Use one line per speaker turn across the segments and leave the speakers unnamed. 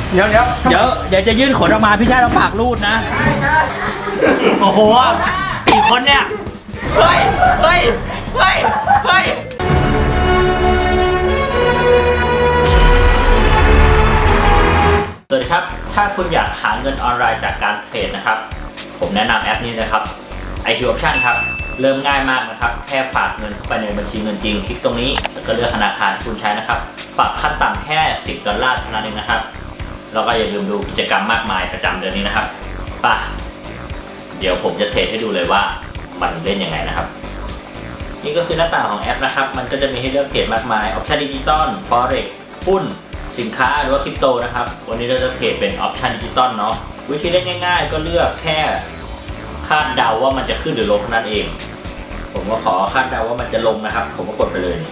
เดี๋ยวจะยื่นขนออกมาพี่ชายเราปากรูดนะโอ้โหกี่คนเนี่ยเฮ้ยสวัสดีครับถ้าคุณอยากหาเงินออนไลน์จากการเทรดนะครับผมแนะนำแอปนี้นะครับ IQ Option ครับเริ่มง่ายมากนะครับแค่ฝากเงินเข้าไปในบัญชีเงินจริงคลิกตรงนี้แล้วก็เลือกธนาคารคุณใช้นะครับฝากขั้นต่ำแค่$10เท่านั้นเองนะครับแล้วก็อย่าลืมดูกิจกรรมมากมายประจำเดือนนี้นะครับป่ะเดี๋ยวผมจะเทรดให้ดูเลยว่ามันเล่นยังไงนะครับนี่ก็คือหน้าต่างของแอปนะครับมันก็จะมีให้เลือกเทรดมากมายออปชั่นดิจิตอล Forex หุ้นสินค้าหรือว่าคริปโตนะครับวันนี้เราจะเทรดเป็นออปชั่นดิจิตอลเนาะวิธีเล่นง่ายๆก็เลือกแค่คาดเดาว่ามันจะขึ้นหรือลงเท่านั้นเองผมก็ขอคาดเดาว่ามันจะลงนะครับผมก็กดไปเลย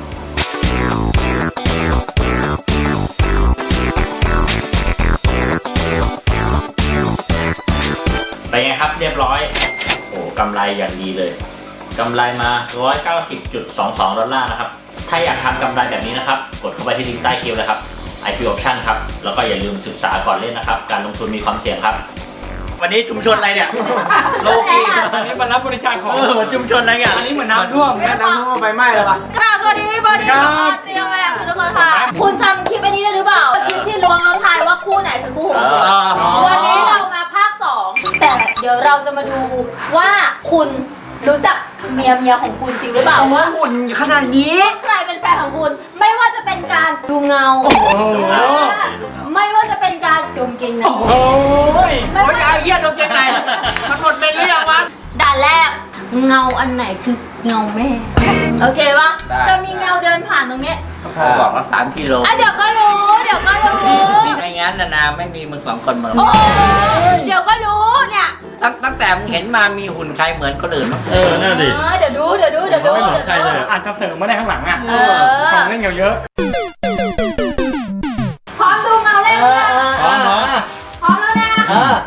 ไปไงครับเรียบร้อยโอ้กำไรอย่างดีเลยกำไรมา$190.22นะครับถ้าอยากทำกำไรแบบนี้นะครับกดเข้าไปที่ลิงก์ใต้คลิปเลยครับ IQ Option ครับแล้วก็อย่าลืมศึกษาก่อนเล่นนะครับการลงทุนมีความเสี่ยงครับวันนี้ชุมชนอะไรเนี่ยโลกีอันนี้มันรับบริจาคของชุมชนอะไรเนี่ยอันนี้เหมือนน้ำท่วมไฟไหม้แล้วปะ
กราบสวัสดีพี่บอดี้ครับเตรียมมาคุณทุกคนค่ะคุณจำคลิปอันนี้ได้หรือเปล่าคลิปที่ล้วงแล้วทายว่าคู่ไหนคือคู่ของคุณวันนี้เรามาภาค2แต่เดี๋ยวเราจะมาดูว่าคุณรู้จักเมียของคุณจริงหรือเปล่าว่า
หุ่นขนาดนี้
ใครเป็นแฟนของคุณไม่ว่าจะเป็นการดูเงาไม่ว่าจะเป็นการดมกลิ่นนะ
โอ้ยไม่ว่าจะเยี่ยดมกลิ่นไหนมันหมดเป็นเรื่องวะ
ด่านแรกเงาอันไหนคือเงาแม่โอเคปะจะมีเงาเดินผ่านตรงนี้
พ่อบอกว่า3 กิโล
เดี๋ยวก็รู้
ไม่งั้นนาไม่มีมึง2 คนมา
เดี๋ยวก็รู้เนี่ย
ตั้งแต่มึงเห็นมามีหุ่นใครเหมือนคนอื่นมั้ง
นั่นดิเดี๋ยวดู
ไม่เหมือนใครเลยอาจจะเสริมมาได้ข้างหลังอ่ะของเล่นเยอะ
พร้อมดูเงาเลยพร้อมแล้วนะพร้อมแล้วนะ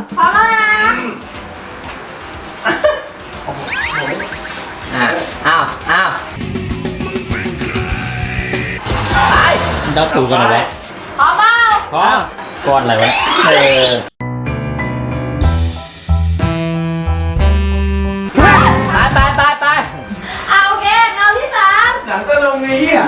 อ้าวไปเราถูกกันเหรอวะ
พร้อมเปล่า
พร้อมก้อนอะไรวะไป
โอเคเงาที่3
หนังก็ลงไงเหี้ย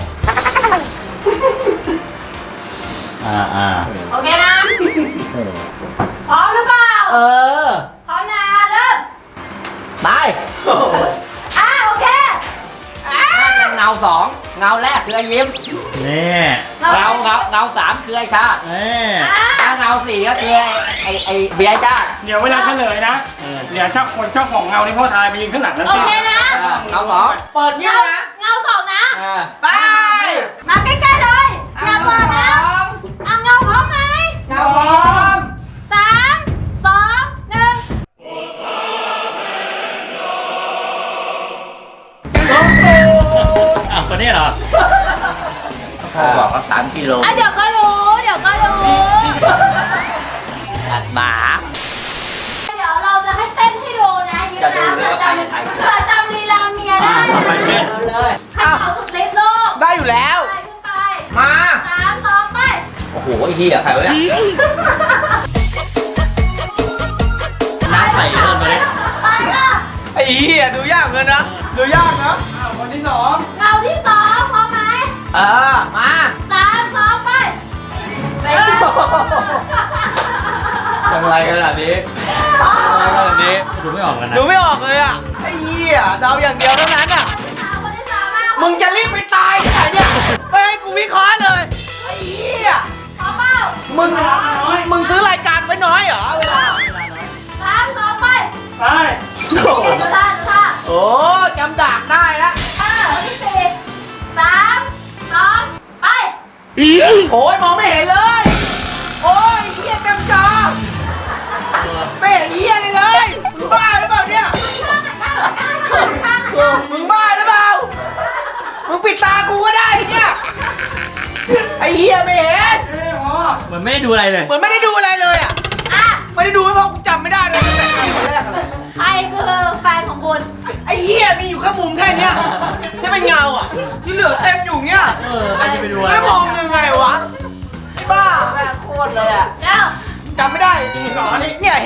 โอเคนะพร้อมหรือเปล่าพร้อมนะเริ่ม
ไป
โอเค
เงา2เงาแรกคือไอ้ยิ้มนี่เงา3คือไอ้ชาถ้าเงา4ก็คือไอ้เบียร์จ้า
เดี๋ยวเวลาเฉลยนะเดี๋ยวเจ้าของเงาที่พ่อทายไปยืนข้างหลังนั่น
โอเคนะ
เงา2เปิดเงี้ยนะ
เงา2นะ
ไป
มาใกล้ๆเลยอย่าเปิดนะเงาพร้อมไหม
เงาพร้อม
3 2 1
คนนี้เหรอพ่อบอกว่า3 กิโล
เดี๋ยวก็รู้
อัดหมา
เดี๋ยวเราจะให้เต้นให้ดูนะยิ้มนะเผื่อจำลีลาเมียได้
ต่อไปเต้น
เลยให้เขาสุดฤทธิ์โลก
ได้อยู่แล้ว
ขึ้นไป
มา
3 2ไป
โอ้โหไอ้เหี้ยใครวะเนี่ยน้าใส่เริ่มเลย
ไปค่ะ
ไอ้เหี้ยดูยากเกินนะ
คนที่2
เงาที่2พร้อมไหม
มา
3 2ไป
ทำไรขนาดนี้ดูไม่ออกเลยอ่ะไอ้เหี้ยเดาอย่างเดียวเท่านั้นอ่ะมึงจะรีบไปตายที่ไหนเนี่ยไม่ให้กูวิเคราะห์เลยไอ้เหี้ยมึงซื้อรายการไว้น้อยเหรอเวลา
3 2ไป
โอ้จำดากได้แล้ว
ที่4 3 2ไป
โอ้ยมองไม่เห็นเลยโอ้ยเหี้ยเต็มจอไม่เห็นเหี้ยเลยมึงบ้าหรือเปล่าเนี่ยมึงบ้าหรือเปล่ามึงปิดตากูก็ได้เนี่ยไอ้เหี้ยไม่เห็นเหมือนไม่ได้ดูอะไรเลยไม่ได้ดูไม่พอกูจำไม่ได้เลยตั้งแต่คนแรกเลย
ใครคือแฟนของคุณ
ไอ้เหี้ยมีอยู่แค่มุมแค่นี้ที่เป็นเงาอ่ะที่เหลือเต็มอยู่เงี้ยใครจะไปดูอะไรไม่มองยังไงวะไอ้บ้าแม่โคตรเลย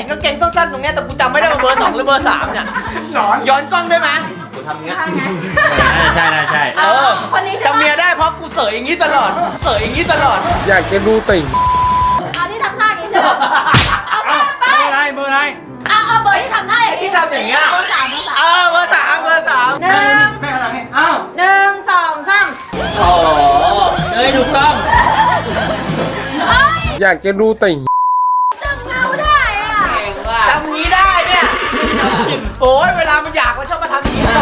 กางเกงสั้นๆตรงเนี้ยแต่กูจำไม่ได้ว่าเบอร์ 2หรือเบอร์ 3เนี่ย
หลอน
ย้อนกล้องได้ไหมกูทำเงี้ย
ใช่ใช่
คนนี้ใช่
จำ
ไหม
เมียได้เพราะกูเสยอย่างนี้ตลอดเสยอย่างนี้ตลอด
อยากจะดูติ่ง
เอาที่ทำท่าอย่างนี้ใช่ไหมเอาไปไป
เบอร์อะไรเบอร์อะไร
เอาเบอร์ที่ทำท่าอย่างนี้
ที่ทำอย่างเงี้ย
เบอร์สาม
เบอร์ 3เบอร์ 3
หนึ่ง
แม่ขนาดนี้อ้าว
หนึ่งสองสาม
โอ้เฮ้ยถูกต้อง
เอ้ย
อยากจะดูติ่ง
จำเงาได้อ่ะ
จำนี้ได้เนี่ยโอ้ยเวลามันอยากมันชอบมาทำอย่างนี้ได้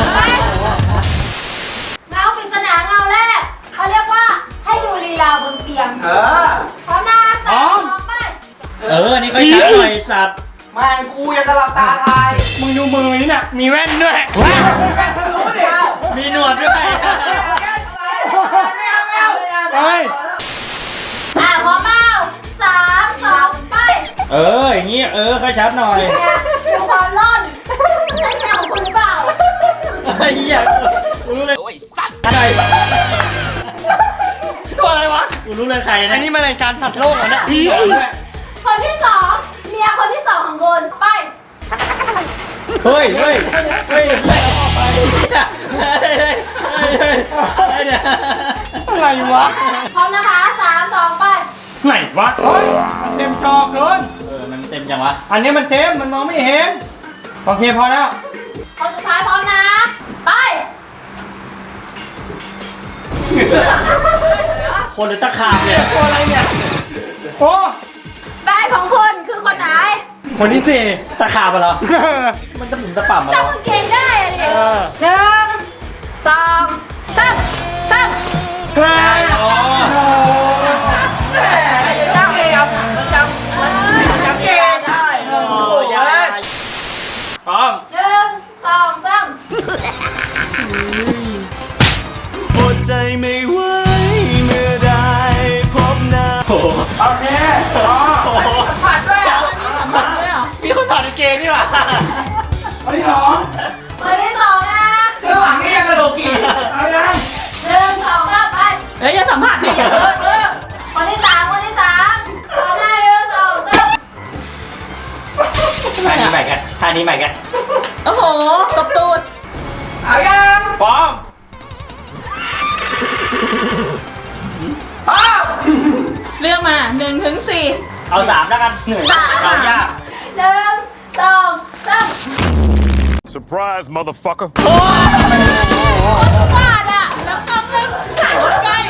เงาปริศนาเงาแรกเขาเรียกว่าให้ดูลีลาบนเตียง พร้อมนะสามสองไป
อันนี้ก็ชัดหน่อยสัตว์
แม่งกูยังจะหลับตาทาย
มึงดูมือนี่น่ะมีแว่นด้วย
รู้ดิ
มีหนวดด้วย
เฮ้ย
พร้อมเปล่าสามสองไป
อย่างงี้ค่อยชัดหน่อย
ดูความร่อนใช่แมวของคุณหรือเปล่า
ไอ้เหี้ยกูรู้เลย
โอ้ยสัตว์
ใคร
ตัวอะไรวะ
กูรู้เลยใคร
อั
นะ
นนี้มันรายการสัตว์โลกเหรอเนี่ย
คนที่สองเมียคนที่สองของคุณไป
เฮ้ยเอาไปอะไรเนี่ย
อะไรวะ
พร้อมนะคะสามสองไป
ไหนวะเฮ้ยมันเต็มจอเกิน
มันเต็มจังวะ
อันนี้มันเต็มมันมองไม่เห็นโอเคพอแล้ว
คนสุดท้ายพร้อมนะ ไป
คนหรือตะขาบเนี่ย
ตัวอะไรเนี่ยโอ้
ได้ของคุณคือคนไหน
คนที่สี่
ตะขาบเหรอ มันจะหมุนตะป่ำมา
จำ
เหรอ
กางเกงได้อะดิหนึ่งสองสามสาม
ใช่อ๋อ
แหมจำเองจำเองได้โอ้ย
พร้อม
หนึ่งสองสาม
อดใจไม่ไหวเมื่อได้พบหน้า
โอเคอ๋อ
ผ่านด้วยมีคนถอดกางเกงนี่หว่า
คนที่สอง
คนที่สองนะ
ข้างหลังนี่ยังกระโดดกี่
เอายัง
หนึ่งสองสามไป
เฮ้ยอย่าสัมผัสดิอย่าเ
คนที่สามพร้อมได้หนึ่งสองสาม
ท่านี้ใหม่กันท่านี้ใหม่กัน
โอ้โหตบตูดเอายัง
พร้อม
อ้าว
เลือกมา1 ถึง 4
เอา3แล้วกันเหนื่อยเอายาก
หนึ่งสองสาม
Surprise motherfucker
ฟาดอ่ะ แล้วก็ไม่ใส่รถใกล้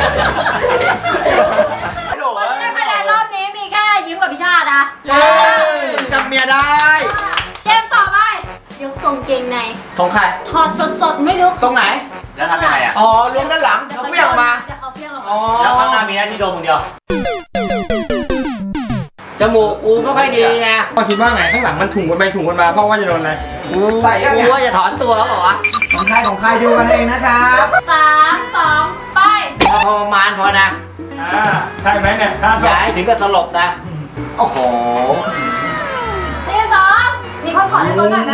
คนที่ได้คะแนนรอบนี้มีแค่ยิ้มกับพิชาตินะ
จำเมียได้
เกมต่อไปยกทรงเกงใน
ของใคร
ถอดสดๆไม่รู้
ตรงไหน
แล้วทำยังไงอ่ะ
อ๋อล้วงด้านหลังเขาเฟี้ยงออกมา
จะเอาเฟี้ยงออก
อ๋อ
มา
แล้วข้างหน้ามีหน้าที่โดมคนเดียว
จมูกกูไม่ค่อยดีนะ
ก็คิดว่าไงข้างหลังมันถุงกันไปถุงกันมาเพราะว่าจะโดนอะไร
ใส่กูว่าจะถอนตัวเขาบอกว่าของใครดูกันเองนะครับ
สามสองไป
พอประมาณพอนะ
ใช่ไหมเนี่ยถ้า
อย่าให้ถึงกับสลบนะ โอ้โห
นี่สองมีคนขอให้คนหน่อยไหม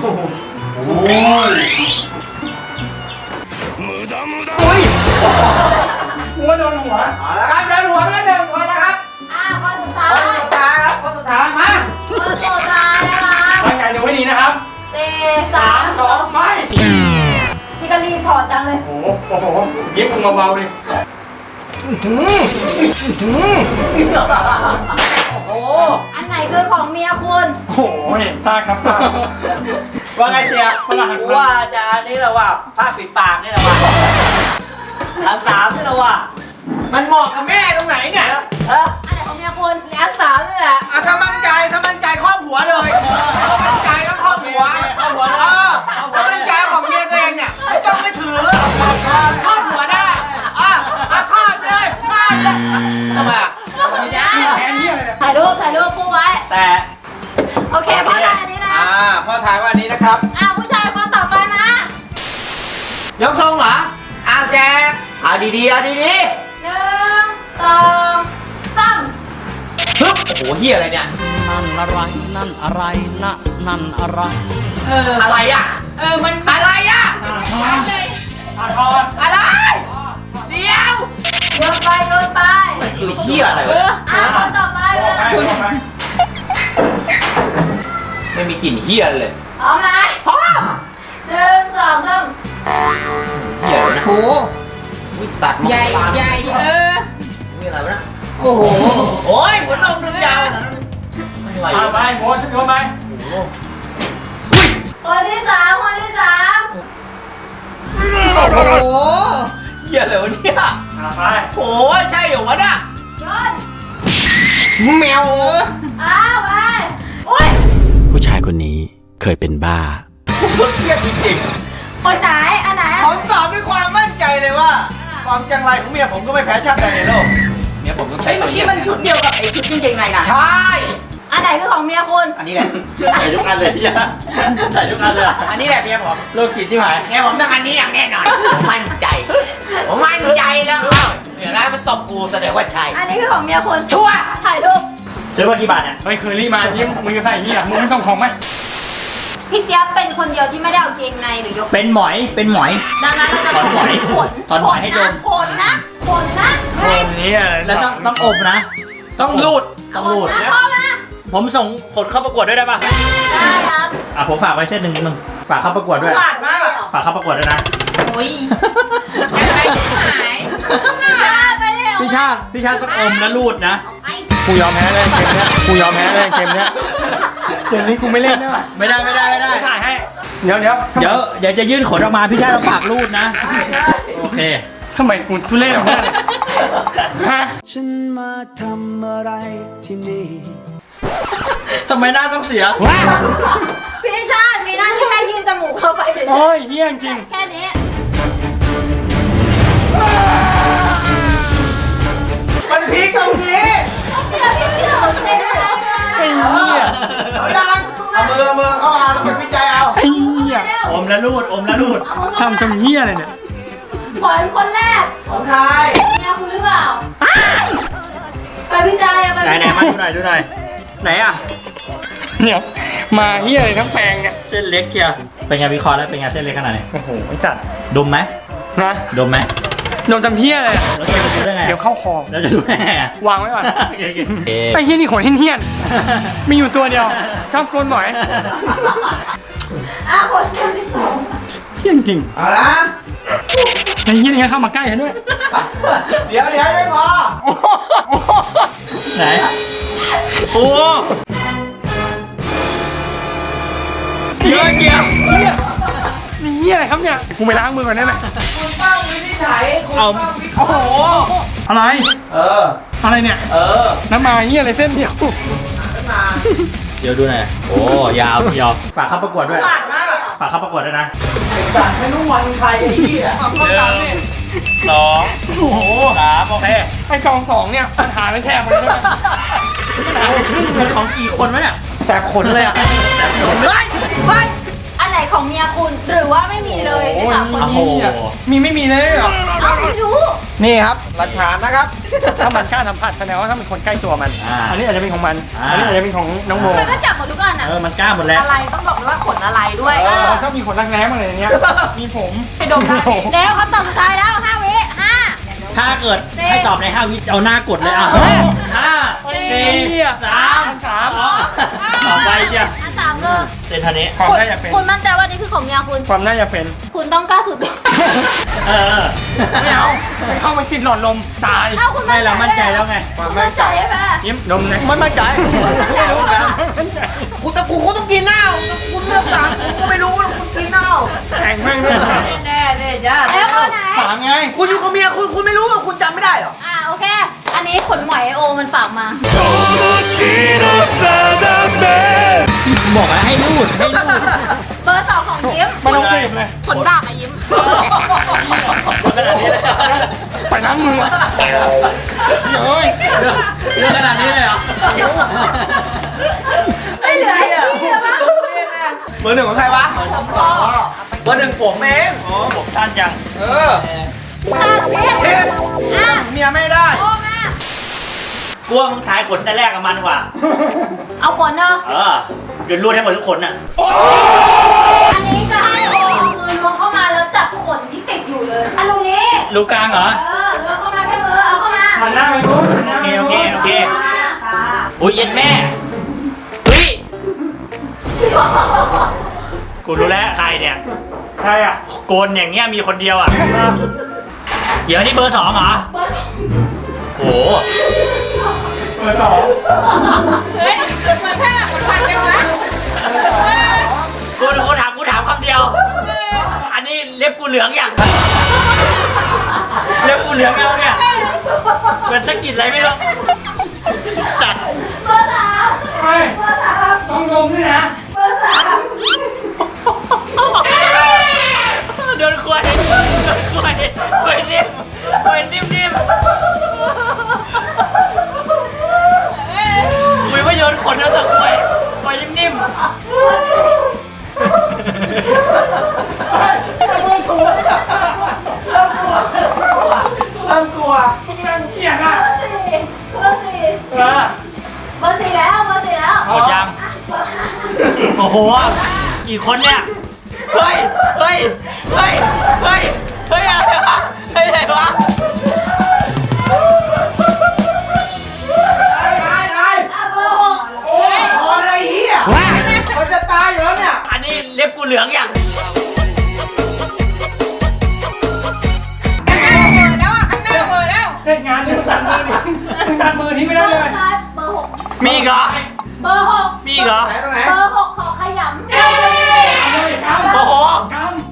อุ้ย
หัวโดนหัว
เอาละครับเดินหัวไปแล้วหนึ่งคนนะครับ
คนสุดท้าย
คนสุดท้ายครับคนสุดท้ายมา
คนสุดท้ายนะคะ
ร่างกายดูให้ดีนะครับ
สี่สาม
3 2 ไป
พี่ก็รีบถอดจังเลย
โอ้โหยิ้มมึงเบาๆดิโอ้โห
อันไหนคือของเมียคุณ
โอ้โหเนี่ยตาครับตา
ว่าไงเสียกูว่าจะอันนี้แหละว่าผ้าปิดปากนี่แหละว่าอันสามนี่แหละว่ามันเหมาะกับแม่ตรงไหนเนี่ย
อันไหนของเมียคุณ
อันสามนี่แหละถ้ามั่นใจครอบหัวเลยถ้ามั่นใจก็ครอบหัวถ้ามั่นใจของเมียตัวเองเนี่ยไม่ต้องไปถือครอบหัวได้ครอบเลยครอบเลยทำไมอ่ะ
ไม่ได้
แอนนี่อะไรเนี่ย
ถ่ายรูปคู่ไว้
แต่
โอเคพ่อได้อันนี้นะ
พ่อถ่ายว่าอันนี้นะครับ
ผู้ชายคนต่อไปมาย
กทรงเหรอแจ๊คเอาดีๆเอาดี
หนึ่งสองสาม
ๆฮึบโอ้โหเฮียอะไรเนี่ย
นั่นอะไร นั่นอะไรนะนั่นอะไร
อะไรอ่ะ
มัน
อะไรอ่ะ
ชัดเลย
ถอด
อะไร เดี๋ยว
โยนไป
ลูกเฮียอะไร
เอ
วะ
อ
คนต่อไปเลย
ไป
ลิ่นเฮียเลย
เอาไหม
พร้อม
1 2 3
เฮียเลยนะ
โห
อุ้ยสัตว์
ใหญ่ใหญ่
มีอะไรวะนะ
โอ้โห
โอ้ยหัวนมดึงยาวไม่ไหว
เอาไปโมฉันโยนไป
คนที่ 3 คนที่ 3
โอ้โห
เฮียเลยวะเนี่ย
เอาไป
โอ้ยใช่เหรอวะน่ะ
โยน
แมว
เอาไปอุ้ย
ผู้ชายคนนี้เคยเป็นบ้า
ผมเครียดจริง
คนไหนอันไหน
ๆผมตอบด้วยความมั่นใจเลยว่า ความจังไรของเมียผมก็ไม่แพ้ชาติใดในโลกเมียผมต้องใช้ตัวเยี่ยมมันชุดเดียวกับไอ้ชุดกางเกงในนะใช่
อันไหนคือของเมียคุณ
อันนี้แหละ
ใส่ทุกอันเลยพี่ใส่ทุกอันเลยอะ
อันนี้แหละเมียผม
โลกิจที่หาย
เมียผมต้องอันนี้อย่างแน่นอนผมมั่นใจผมมั่นใจแล้วเดี๋ยวนะมันตบกูแสดงว่าใช่
อันนี้คือของเมียคุณ
ชัวร์
ถ่ายรูป
ซื้อมากี่บาทเนี่ย
เฮ้ยเคอรี่มายิ้มมึงจะใส่อย่างนี้อ่ะมึงไม่ต้องของไหม
พี่เจี๊ยบเป็นคนเดียวที่ไม่ได้เอาเกงในหรือยก
เป็นหมอยเป็นหมอย
ดังนั้นเราจะ
ถอนหมอย
ขน
ถอนหมอยให้ดม
ขนนะขนนะ
คนนี้อะไร
แล้วต้องอบนะ ต้องรูดต้องรูด
ขนนะพ่อมา
ผมส่งผลเข้าประกวดด้วยได้ป่ะ
ได้ครับ
อ่ะผมฝากไว้เส้นหนึ่งนิดนึงฝากเข้าประกวดด้วย
หวานมาก
ฝากเข้าประกวดด้วยนะ
โอ้ยอะไรหายไปเร็ว
พี่ชาติต้องอมและรูดนะ
กูยอมแพ้เลยเกมเนี้ยกูยอมแพ้เลยเกมเนี้ยเกมนี้กูไม่เล่นแล้วอะ
ไม่ได้
ถ่ายให้เดี๋ยว
เดี๋ยวจะยื่นขนออกมาพี่ชาติต้องปากรูดนะ โอเค
ทำไมกูทุเล่นแบบนี้ฮะ
ฉันมาทำอะไรที่นี่
ทำไมหน้าต้องเสีย
พี่ชาติมีหน้าที่แค่ยืนจมูกเข้าไปเฉย
โอ้ยเฮี้ยจริง
ๆแค่นี้
มันพีคตรงนี้
เดี๋ยวพี่ไม่เอาเกงใน
ไอ้เหี้ย
เอาดังเอามือเข้ามาแล้วคนวิจัยเอา
ไอ้เหี้ย
อมและรูด
ทำจำเหี้ยอะไรเนี่ย
ขอนคนแรก
ของไทย
เมียคุณหรือเปล่าไปวิจัยอะไป
ไหนมาดูหน่อยไหนอ่ะ
เนี่ยมาเหี้ยอะไรทั้งแปลงเนี่ย
เส้นเล็กเชียวเป็นไงวิเคราะห์แล้วเป็นไงเส้นเล็กขนาดไหน
โอ้โหไอ้สัตว์
ดมไหม
นะ
ดมไหม
โดนจำเหี้ยอะไรอะ
แล้วจะดูได้ไง
เดี๋ยวเข้าคอ
แล้วจะดูได้ไงอะ
วางไว้ก่อน
โอเค
ไอ้เหี้ยนี่ขนเหี้ยนๆมีอยู่ตัวเดียวชอบโกนบ่อย
คนที่สอง
เหี้ยจริง
เอาละ
ไอ้เหี้ยนี่เข้ามาใกล้ฉันด้วย
เดี๋ยวไม่พอ
โอ้โห
ไหนโอ้
เหี้ยเหี้ยนี่เหี้ยอะไรครับเนี่ยกูไปล้างมือก่อนได้ไหม
คุณต้องวินิจฉัยคุณต้องวิเค
โอ้
ราะ
โห
ห์
อะไร
เออ
อะไรเนี่ย น้ำมาเหี้ยอะไรเส้นเดียว
ขึ้นมา
เดี๋ยวดูหน่อยโอ้ยาวเชียวฝากเข้าประกวดด้วย
หวานมาก
ฝากเข้าประกวดด้วยนะ
ไอ้สัตว์ไม่รู้วันใครไอ้เหี้ยเอาก็ตามนี่
2
โอ้โห
3โอเค
ไอ้กองสองเนี่ยปัญหาไม่แทบเลยนะปัญหาไม่ขึ้นเล
มัน
ย
ของกี่คนวะเนี่ย
แสบขนเลยอ่ะ
ไปอันไหนของเมียคุณหรือว่าไม่มีเลยในสามคน
โอ้โห
นี้
มีไม่มีเลยเหรอ
เอาไม่รู้
นี่ครับหลักฐานนะครับ
ถ้ามันกล้าสัมผัสแสดงว่าถ้าเป็นคนใกล้ตัวมัน อันนี้อาจจะเป็นของมัน อันนี้อาจจะเป็นของน้องโม
มันก็จับหมดทุกอันอะ
มันกล้าหมดแล้ว
อะไรต้องบอกเลยว่าขนอะไรด้วย
เขาชอบมีขนรักแร้มาเลยอย่างเงี้ย มีผม
ไปดมได้แล้วคำตอบสุดท้ายแล้ว5 วิ5
ถ้าเกิดให้ตอบใน5 วิเอาหน้ากดเลยอ่ะ
เฮ้ย
5 4 3 2ต่อไปเชียว
อัน3เลย
เซนทันนี้
ความ
คุณ
น่าจะเป็น
คุณมั่นใจว่านี่คือของเมียคุณ
ความน่าจะเป็น
คุณต้องกล้าสุด
เออ
ไม่เอาไม่เข้ามากินหลอดลมตาย
ถ้าคุณ
ไม่เรามั่นใจแล้วไง
คุณมั่นใจใช่ไหม
ยิ้มดมเลยมันมั่นใจ
ไม่รู้นะ
มั่นใจ
กูต้องกินเหล้าคุณเลือกสั่งกูก็ไม่รู้ว่าคุณกินเหล้า
แข่งแม่งด้วย
แน่จ้า
แล้วข้อไหน
ถามไง
คุณอยู่กับเมียคุณไม่รู้ว่าคุณจำไม่ได้หรอ
โอเค อันนี้ขนหมอยโอมันฝากมา
บอกแล้วให้รูด
เบอร์2ของยิ้ม
ไม่ต้องเก็บเลย
ขนดาบอะยิ้ม
ขนาดนี้เลย
ไปล้างมือเฮ้ย
เรื่องขนาดนี้เลยเหรอ
ไม่เหลือไอ้ที่แล้วมั้ง
เบอร์ 1ของใครวะเบอร์ 1ผมเอง
โอ้ผมสั้นจัง
เออ
เทป
เมียไม่ได้
โอ้แม่
กลัวมึงทายขนแต่แรกกับมันกว่า
เอาขนเนอะ
เดี๋ยวรูดให้หมดทุกคนน่ะ
อันนี้จะให้โอเอามือล้วงเข้ามาแล้วจับขนที่ติดอยู่เลยอันตรงนี้
รูกลางเหรอ
ล้วงเข้ามาแค่มือเอาเข้ามา
หันหน้าไปนู้น
โอเค
ค่ะ
อุ้ยเย็นแม่ เฮ้ยกูรู้แล้วใครเนี่ย
ใครอ่ะ
โกนอย่างเงี้ยมีคนเดียวอ่ะ เดี๋ยวนี่เบอร์2เหรอ โอ้โห
เบอร์สอง
เฮ้ยมันแค่หลักมันพันกันวะ
กูถามคำเดียว อันนี้เล็บกูเหลืองอย่างเล็บกูเหลืองแล้วเนี่ยเหมือนสะกิดอะไรไม่รู้สัตว์
เบอร์สาม
เฮ้ย
เบอร์สาม
ต้องดมด้วยนะ
เบอร์สาม
โดนควายนิ่มคุยว่าโยนขนแล้วแต่ควายนิ่ม
เริ่มกลัว
มึงนั่งเกียดอ่ะ
เบอร์สี่
เออ
เบอร์สี่แล้วเบอร์สี่แล้ว
หมดยัง โอ้โห กี่คนเนี่ย เฮ้ยอะไรวะอะไรวะ
เบอร์หก
พอเลยเฮียมันจะตายอยู่แล้วเนี่ย
อันนี้เล็บกูเหลืองอย่าง
ข้างหน้าเปิดแล้ว
เสร็จงานนี่มึงตัดมือดิมึงตัดมือทิ้งไม่ได้เลย
เบอร์หก
มีอีกเหรอ
เบอร์หก
มีอีกเหรอ
ไหนตรงไหน
เบอร์หกขอขยำ
เอาเลยกำ
โอ้โห
ก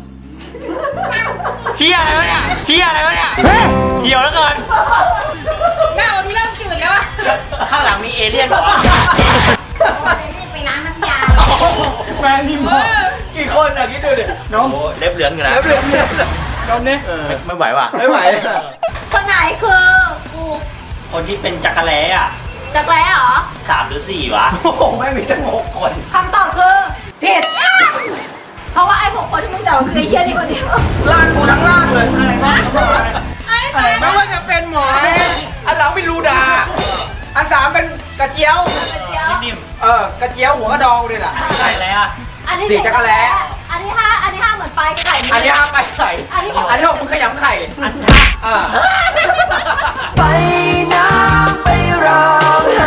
เฮียอะไรวะเนี่ยเหี่ยวแล้วเกิน
หน้าดูเริ่มจืดแล้วอะ
ข้างหลังมีเอเลี่ยนเหรอ
ไปล้างน้ำยา
ำแฟนนิ่มพอ
กี่คนอ่ะคิดดูดิ
โอ้โหเล็บเหลืองอยู่นะ
แล้วเรื่องเนี่ย
ดมนี่
ไม่ไหวว่ะ
ไม่ไหว
คนไหนคือกู
คนที่เป็นจักรแล้อ่ะ
จักรแล้เหรอ
3 หรือ 4 วะ
โอ้โหไม่มีตั้ง6 คน
คำตอบคือผิดเพราะว่าไอ้6 คนที่มึงเดาคือไอ้เหี้ยนี่คนเดียว
ล่างกูทั้งล่างเลย
อะไรวะ
ไอ้ตาย
ไม่ว่าจะเป็นหมอยอันหลังเป็นลูดา อันสามเป็นกระเจียว
นิ่ม
กระเจียวหัวกระดองด้วยล่ะ
ๆใช่แล้ว
อันนี้
สี่จักรแล้
อันที่ห้าเหมือนปลายไข่
อันนี้ห้ามไปไข่
อันที่หก
อันที่6มึงขยำไข่
อันท่า
อ่า
ไปน้ำไปร้องไห้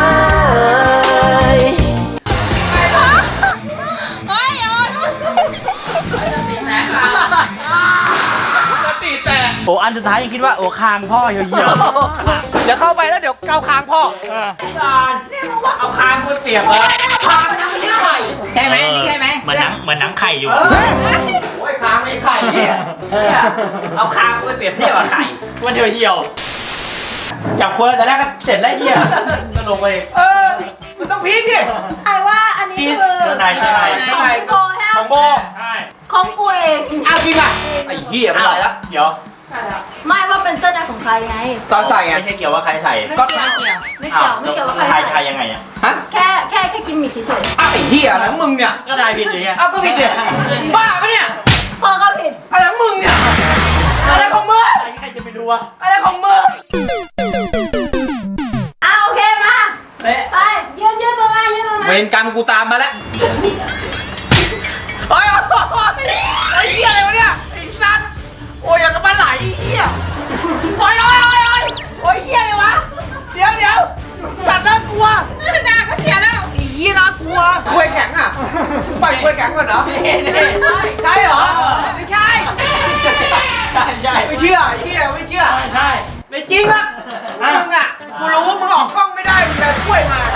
เฮ้ยโอ้ย
ปกติแต่
โอ้อันสุดท้ายยังคิดว่าโอ้คางพ่อเหี่ยว
เดี๋ยวเข้าไปแล้วเดี๋ยวเกาคางพ่อ
เออ
นี่มึงว่า
เอาคางกูเปียกเหรอ
พามันยังไม่ได้ไข่
ใช่ไหมอันนี้ใช่ไหม
เหมือนหนังไข่อยู่
โอ้ยคางไม่ไข่เนี่ย
เอาคางกูไปเปรียบเทียบกับไข่ว่าเหี่ยวจับคนแต่แรกก็เสร็จแล้วเหี้ยก็ลงไป
มันต้องพีคดิ
ไอ้ว่าอันนี้คือ
เจ้านาย
ของโบใช่ไหม
ของโบ
ใช่
ของกูเอง
เอาจริงอ่ะไอ้เหี้ยไม่ไหวแล้ว
เดี๋ยว
ไม่ว่าเป็นเสื้อในของใครไง
ตอนใส่ไง
ไม่ใช่เกี่ยวว่าใครใส่
ไม่เกี่ยวไม่เกี่ยวว่าใคร
ใคร
ใส่
ยังไงอ่ะ
ฮะ
แค่กิมมิคเฉย
อ้าวไอ้เหี้ยอะไรของมึงเนี่ย
ก็ได้ผิดอย่างเงี้ย
เอ้าก็ผิดเนี่ยบ้าปะเนี่ย
ๆพ่อก็ผิด
อะไรของมึงเนี่ย อะไรของมึง
ใครจะไปดูวะ
อะไรของมึง
โอเคมาไปยืนมา
เวรกรรมกูตามมาแล้วโอ้ยไอ้เหี้ยอะไรวะเนี่ย ไอ้สัตว์โอ้ยอยากจะมาไหลไอ้เหี้ยโอ้ยโอ้ยเหี้ยอะไรวะ เดี๋ยวสัตว์น่ากลัว
หน้าก็เสียแล้ว
ไอ้เหี้ยน่ากลัวควยแข็งอ่ะปล่อยควยแข็งก่อนเหรอ ใช่เหรอ ไม่ใช่
ใช่
ไม่เชื่อไอ้เหี้ยไม่เชื่อ
ใช่
ไม่จริงอ่ะมึงอ่ะ กูรู้ว่ามึงออกกล้องไม่ได้ มึงจะช่วยมา